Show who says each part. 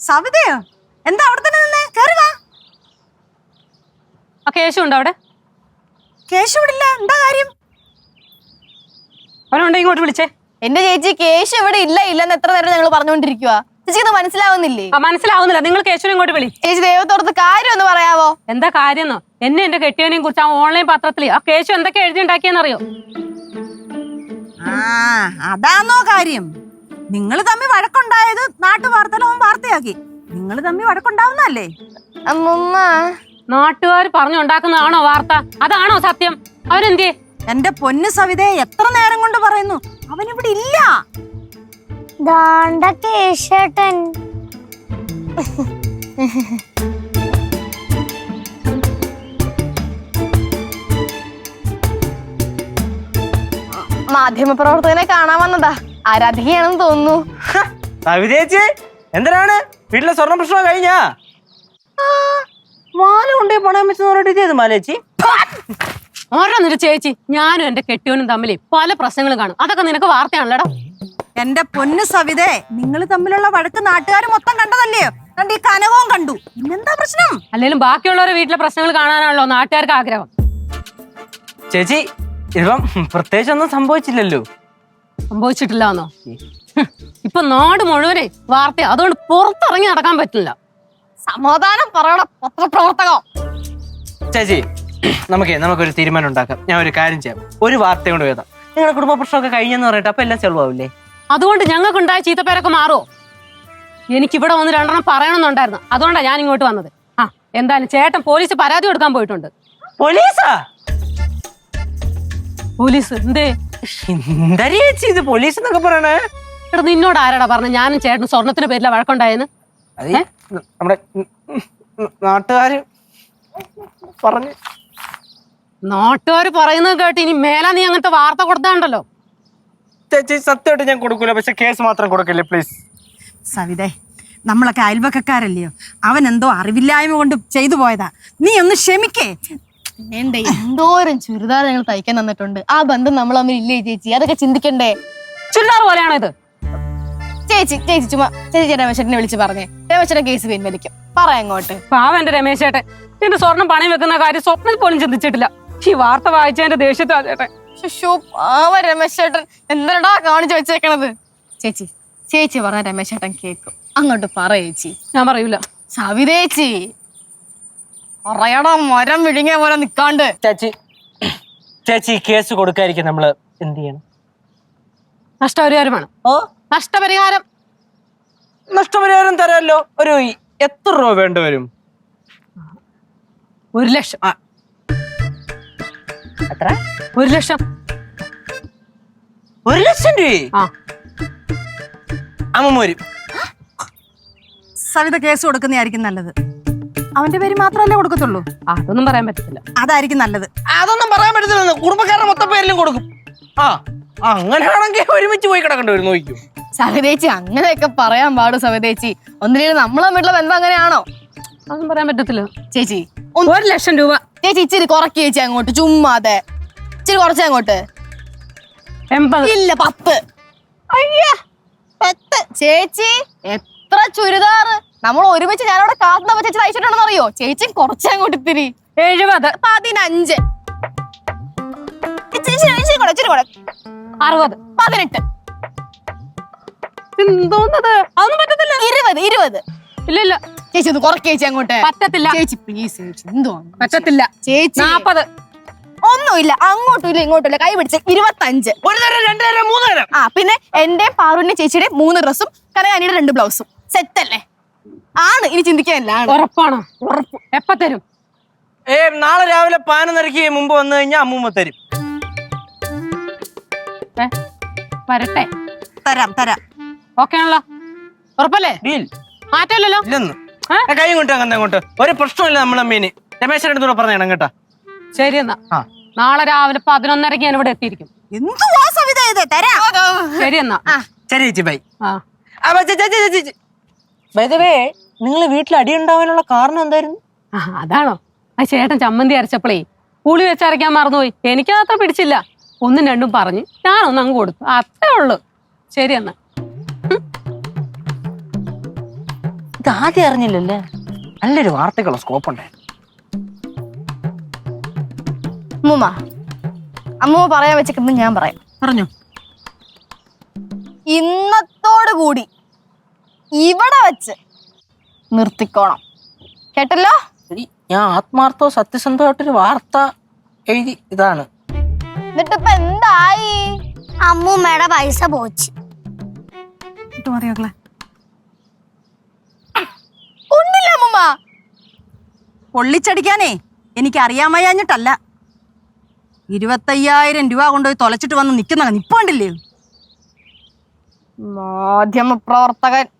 Speaker 1: സവിതയോ? എന്താ അവിടെ തന്നെ നിന്നേ? കേറി വാ.
Speaker 2: കേശു ഉണ്ടോ അവിടെ?
Speaker 1: കേശു ഇവിടെ ഇല്ല. എന്താ കാര്യം?
Speaker 2: അവനുണ്ടോ ഇങ്ങോട്ട് വിളിച്ചേ.
Speaker 3: എന്റെ ചേച്ചി കേശു ഇവിടെ ഇല്ലെന്ന് എത്ര നേരം ഞങ്ങൾ പറഞ്ഞുകൊണ്ടിരിക്കുക. ചേച്ചിക്ക് മനസ്സിലാവുന്നില്ലേ?
Speaker 2: മനസ്സിലാവുന്നില്ല. നിങ്ങൾ കേശുവിനെ ഇങ്ങോട്ട് വിളി.
Speaker 3: ചേച്ചി ദൈവത്തോടത്ത് കാര്യം ഒന്ന് പറയാവോ?
Speaker 2: എന്താ കാര്യം? എന്നെ എന്റെ കെട്ടിയവനെയും കുറിച്ച് ആ ഓൺലൈൻ പത്രത്തിൽ ആ കേശു എന്തൊക്കെ എഴുതിണ്ടാക്കിയെന്നറിയോ?
Speaker 1: അതാണോ കാര്യം? നിങ്ങൾ തമ്മിൽ വഴക്കുണ്ടായത് നാട്ടുവാർത്തയിൽ അവൻ വാർത്തയാക്കി. നിങ്ങൾ തമ്മിൽ വഴക്കുണ്ടാവുന്നല്ലേ?
Speaker 3: അമ്മൂമ്മ,
Speaker 2: നാട്ടുകാർ പറഞ്ഞുണ്ടാക്കുന്നതാണോ വാർത്ത? അതാണോ സത്യം? അവനെന്തേ?
Speaker 1: എന്റെ പൊന്നു സവിതയെ എത്ര നേരം കൊണ്ട് പറയുന്നു, അവനിവിടെ ഇല്ല.
Speaker 4: കേശേട്ടൻ
Speaker 3: മാധ്യമപ്രവർത്തകനെ കാണാൻ വന്നതാ. ആരാധികയാണെന്ന് തോന്നുന്നു.
Speaker 5: സവിതേച്ചി എന്തിനാണ്? വീട്ടിലെ സ്വർണ്ണ പ്രശ്നം കഴിഞ്ഞാ? മാല കൊണ്ടേ പണയം വെച്ച് മാലേച്ചി.
Speaker 2: ഓരോന്നൊരു ചേച്ചി, ഞാനും എന്റെ കെട്ടിയവനും തമ്മിൽ പല പ്രശ്നങ്ങളും കാണും. അതൊക്കെ നിനക്ക് വാർത്തയാണല്ലോടാ.
Speaker 1: എന്റെ പൊന്നു സവിതേ, നിങ്ങൾ തമ്മിലുള്ള വഴക്ക് നാട്ടുകാർ മൊത്തം കണ്ടതല്ലയോ? കണ്ട് ഈ കനകവും കണ്ടു. പിന്നെന്താ പ്രശ്നം?
Speaker 2: അല്ലെങ്കിലും ബാക്കിയുള്ളവരുടെ വീട്ടിലെ പ്രശ്നങ്ങൾ കാണാനാണല്ലോ നാട്ടുകാർക്ക് ആഗ്രഹം.
Speaker 5: ചേച്ചി ഇപ്പം പ്രത്യേകിച്ച് ഒന്നും സംഭവിച്ചില്ലല്ലോ.
Speaker 2: സംഭവിച്ചിട്ടില്ലാന്നോ? ഇപ്പൊ നാട് മുഴുവനെ വാർത്ത, അതുകൊണ്ട് പുറത്തിറങ്ങി നടക്കാൻ പറ്റില്ല.
Speaker 3: സമാധാനം പറയണ പത്രപ്രവർത്തകം.
Speaker 5: ചേച്ചി നമുക്കൊരു തീരുമാനം ഉണ്ടാക്കാം. ഞാൻ ഒരു കാര്യം ചെയ്യാം. ഒരു വാർത്ത കൊണ്ട് വേദം നിങ്ങളുടെ കുടുംബ പ്രശ്നമൊക്കെ കഴിഞ്ഞെന്ന് പറയട്ടെ, അപ്പൊ എല്ലാം ചെലവാവില്ലേ?
Speaker 2: അതുകൊണ്ട് ഞങ്ങൾക്കുണ്ടായ ചീത്തപ്പേരൊക്കെ മാറോ? എനിക്കിവിടെ വന്ന് രണ്ടെണ്ണം പറയണമെന്നുണ്ടായിരുന്നു. അതുകൊണ്ടാണ് ഞാൻ ഇങ്ങോട്ട് വന്നത്. എന്തായാലും ചേട്ടൻ പോലീസ് പരാതി കൊടുക്കാൻ പോയിട്ടുണ്ട്.
Speaker 5: പോലീസാ?
Speaker 2: പോലീസ് എന്തേ?
Speaker 5: എന്താ ചേച്ചി ഇത് പോലീസ് എന്നൊക്കെ പറയണേ?
Speaker 2: എടാ, നിന്നോട് ആരാടാ പറഞ്ഞ ഞാനും ചേട്ടനും സ്വർണത്തിന്റെ പേരില വഴക്കുണ്ടായെന്ന്?
Speaker 5: നമ്മുടെ നാട്ടുകാര് പറഞ്ഞു.
Speaker 2: നാട്ടുകാര് പറയുന്നത് കേട്ട് ഇനി മേലാ നീ അങ്ങനത്തെ വാർത്ത കൊടുത്താണ്ടല്ലോ.
Speaker 5: ചേച്ചി സത്യമായിട്ട് ഞാൻ കൊടുക്കൂല, പക്ഷെ കേസ് മാത്രം കൊടുക്കല്ലേ പ്ലീസ്.
Speaker 1: സവിതേ, നമ്മളൊക്കെ അയൽവക്കക്കാരല്ലയോ? അവൻ എന്തോ അറിവില്ലായ്മ കൊണ്ട് ചെയ്തു പോയതാ. നീ ഒന്ന് ക്ഷമിക്കേ.
Speaker 3: എന്തോരം ചുരിദാർ ഞങ്ങൾ തയ്ക്കാൻ തന്നിട്ടുണ്ട്. ആ ബന്ധം നമ്മൾ തമ്മിൽ ഇല്ലേ ചേച്ചി? അതൊക്കെ ചിന്തിക്കണ്ടേ?
Speaker 2: ചുരിദാർ പോലെയാണോ ഇത്?
Speaker 3: ചേച്ചി ചുമ്മാ ചേച്ചി രമേശനെ വിളിച്ച് പറഞ്ഞേ. രമേശനെ കേസ് പിൻവലിക്കും. പറയാം അങ്ങോട്ട്.
Speaker 2: പാവന്റെ രമേശ് ചേട്ടൻ എന്റെ സ്വർണം പണയം വെക്കുന്ന കാര്യം സ്വപ്നം പോലും ചിന്തിച്ചിട്ടില്ല. ഈ വാർത്ത വായിച്ചതിന്റെ ദേഷ്യത്താ ചേട്ടൻ.
Speaker 3: രമേശ് ചേട്ടൻ എന്തിനാ കാണിച്ചു വെച്ചേക്കണത്? ചേച്ചി പറഞ്ഞ രമേശ് ചേട്ടൻ കേക്കും. അങ്ങോട്ട് പറയേച്ചി.
Speaker 2: ഞാൻ പറയൂല.
Speaker 3: സവിതേച്ചി പറയടാ, മരം വിഴുങ്ങിയ പോലെ നിക്കാണ്ട്.
Speaker 5: ചേച്ചി കേസ് കൊടുക്കാതിരിക്കും നമ്മള് എന്ത് ചെയ്യണം?
Speaker 2: നഷ്ടപരിഹാരം വേണം. നഷ്ടപരിഹാരം
Speaker 5: തരാമല്ലോ. ഒരു എത്ര രൂപ വേണ്ടി വരും?
Speaker 2: 1 ലക്ഷം.
Speaker 5: എത്ര?
Speaker 2: 1 ലക്ഷം.
Speaker 5: 1 ലക്ഷം രൂപ? അമ്മ വരും.
Speaker 1: സവിത കേസ് കൊടുക്കുന്നതായിരിക്കും നല്ലത്. അവന്റെ പേര് മാത്രമല്ലേ കൊടുക്കത്തുള്ളൂ?
Speaker 2: അതൊന്നും പറയാൻ പറ്റത്തില്ല.
Speaker 1: അതായിരിക്കും നല്ലത്.
Speaker 5: അതൊന്നും പറയാൻ പറ്റത്തില്ല. കുടുംബക്കാരുടെ മൊത്തം പേരിലും കൊടുക്കും. അങ്ങനെയാണെങ്കിൽ ഒരുമിച്ച് പോയി കിടക്കേണ്ടി വരും. നോക്കൂ
Speaker 3: സവിതേച്ചി, അങ്ങനെയൊക്കെ പറയാൻ പാടും സവിതേച്ചി. ഒന്നിനും നമ്മളെ വീട്ടിലെ ബന്ധം അങ്ങനെയാണോ?
Speaker 2: അതൊന്നും പറയാൻ പറ്റത്തില്ല.
Speaker 3: ചേച്ചി
Speaker 2: 1 ലക്ഷം രൂപ.
Speaker 3: ചേച്ചി ഇച്ചിരി കുറയ്ക്ക് ചേച്ചി അങ്ങോട്ട്. ചുമ്മാതെ ഇച്ചിരി കുറച്ച് അങ്ങോട്ട്.
Speaker 2: 80.
Speaker 3: ഇല്ല 10. അയ്യാ 10. ചേച്ചി എത്ര ചുരിദാറ് നമ്മൾ ഒരുമിച്ച് ഞാനവിടെ കാത്തുന്നപ്പോ ചേച്ചി തയ്ച്ചിട്ടുണ്ടെന്ന് അറിയോ? ചേച്ചി കുറച്ച് അങ്ങോട്ട് ഇത്തിരി.
Speaker 2: 70.
Speaker 3: 15.
Speaker 2: 60.
Speaker 3: 18.
Speaker 2: എന്തോന്നത്? അതൊന്നും പറ്റത്തില്ല.
Speaker 3: 20.
Speaker 2: ഇല്ല
Speaker 3: ചേച്ചി ഒന്ന് കുറയ്ക്ക് ചേച്ചി അങ്ങോട്ട്.
Speaker 2: പറ്റത്തില്ല
Speaker 3: ചേച്ചി പ്ലീസ് ചേച്ചി. എന്തോ
Speaker 2: പറ്റത്തില്ല.
Speaker 3: ചേച്ചി
Speaker 2: 40.
Speaker 3: ഒന്നുമില്ല. അങ്ങോട്ടും ഇല്ല ഇങ്ങോട്ടും ഇല്ല. കൈ പിടിച്ച് 25.
Speaker 5: 1 തരം 2 തരം 3 തരം.
Speaker 3: പിന്നെ എന്റെ പാറുവിന്റെ ചേച്ചിയുടെ 3 ഡ്രസ്സും കനകാനിയുടെ 2 ബ്ലൗസും സെറ്റ് അല്ലേ? ആണ്. ഇനി ചിന്തിക്കാനല്ല.
Speaker 2: ഉറപ്പാണോ? ഉറപ്പ്. എപ്പ തരും?
Speaker 5: നാളെ രാവിലെ 11:30 മുമ്പ് വന്നു കഴിഞ്ഞാൽ അമ്മൂമ്മ തരും.
Speaker 2: വരട്ടെ.
Speaker 1: തരാം.
Speaker 2: ഓക്കെ ആണല്ലോ? ഉറപ്പല്ലേ? മാറ്റമില്ലല്ലോ.
Speaker 5: ഇല്ലെന്ന് കൈ കൊണ്ട് അങ്ങോട്ട് ഒരു പ്രശ്നമില്ല. നമ്മളെ മീന് രമേശന്റെ അടുത്തൂടെ പറഞ്ഞേണം കേട്ടാ.
Speaker 2: ശരി എന്നാ നാളെ രാവിലെ 11:30 ഞാൻ ഇവിടെ എത്തിയിരിക്കും.
Speaker 1: എന്തുവാ സവിത ഇത്? തരാം.
Speaker 2: ശരി എന്നാ.
Speaker 5: ശരി ചേച്ചി ബൈ. നിങ്ങള് വീട്ടിൽ അടി ഉണ്ടാവാനുള്ള കാരണം എന്തായിരുന്നു?
Speaker 2: അതാണോ? ആ ചേട്ടൻ ചമ്മന്തി അരച്ചപ്പോളേ പുളി വെച്ചരയ്ക്കാൻ മറന്നുപോയി. എനിക്കതത്ര പിടിച്ചില്ല. 1ഉം 2ഉം പറഞ്ഞ് ഞാനൊന്നും അങ്ങ് കൊടുത്തു. അത്രേ ഉള്ളു. ശരി എന്നാ.
Speaker 5: ഇതാദ്യം അറിഞ്ഞില്ലല്ലേ? നല്ലൊരു വാർത്തക്കുള്ള സ്കോപ്പ് ഉണ്ടായിരുന്നു.
Speaker 3: അമ്മൂമ്മ അമ്മൂമ്മ പറയാൻ വെച്ചിട്ട് ഞാൻ പറയാം.
Speaker 1: പറഞ്ഞു.
Speaker 3: ഇന്നത്തോടു കൂടി ഇവിടെ വെച്ച് നിർത്തിക്കോണം, കേട്ടല്ലോ?
Speaker 5: എടി, ഞാൻ ആത്മാർത്ഥവും സത്യസന്ധമായിട്ടൊരു വാർത്ത എഴുതി ഇതാണ്.
Speaker 3: എന്നിട്ടിപ്പൊ എന്തായി?
Speaker 4: അമ്മൂമ്മയുടെ പൈസ പോച്ച്.
Speaker 1: ഇട്ട് മതി മക്കളെ.
Speaker 3: ഒന്നില്ല അമ്മൂമ്മ.
Speaker 1: പൊള്ളിച്ചടിക്കാനേ എനിക്ക് അറിയാൻ വയ്യാഞ്ഞിട്ടല്ല. 25,000 രൂപ കൊണ്ടുപോയി തൊലച്ചിട്ട് വന്ന് നിക്കുന്ന നിപ്പണ്ടില്ലേ?
Speaker 3: മാധ്യമ പ്രവർത്തകൻ